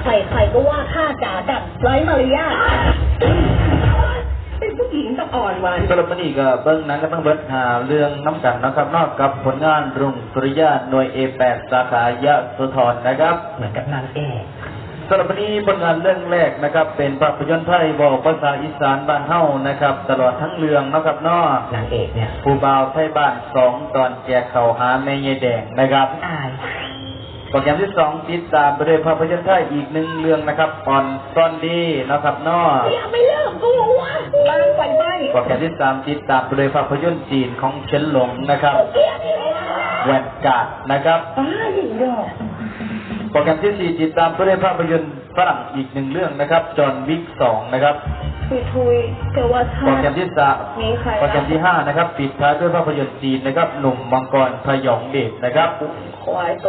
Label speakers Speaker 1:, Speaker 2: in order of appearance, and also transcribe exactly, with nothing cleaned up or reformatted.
Speaker 1: ใครๆก็ว่าข้าจ๋าดับไร้มารยาทเป็นผู้หญิงต้องอ่อนหวาน
Speaker 2: สำหรับวันนี้ก็เบิ้งหนังก็ต้องเบิ้งหาเรื่องน้ำกันนะครับนอกกับผลงานรุ่งสุริยะหน่วย เอ แปด สาขายะโสธรนะครับเหมือนกับนางเอกสำหรับวันนี้ผลงานเรื่องแรกนะครับเป็นภาพยนตร์ไทยบอกภาษาอีสานบ้านเฮานะครับตลอดทั้งเรื่องนะครับนอนางเอกเนี่ยผู้บ่าวไทยบ้านสองตอนแจกเข่าหาแม่ยายแดงนะครับโปรแกรมที่สองติดตามไปด้วยภาพยนตร์ไทยอีกหนึ่งเรื่องนะครับออนซอนดีนะครับนอ
Speaker 1: อย่าไม่เลิกกูวะบ้านไฟไหม้
Speaker 2: โปรแกรมที่สามติดตามไปด้วยภาพยนตร์จีนของเฉินหลงนะครับแหวนกาดนะครับ
Speaker 1: อ้าหญิงดอก
Speaker 2: โปรแกรมที่สี่ติดตามไปด้วยภาพยนตร์ฝรั่งอีกหนึ่งเรื่องนะครับจอห์นวิกสองนะครับ
Speaker 1: ทุยทุยแต่ว่า
Speaker 2: โปรแกรมที่สามโปรแกรมที่ห้านะครับปิดท้ายด้วยภาพยนตร์จีนนะครับหนุ่มมังกรพยองเดชนะครับ
Speaker 1: ควาย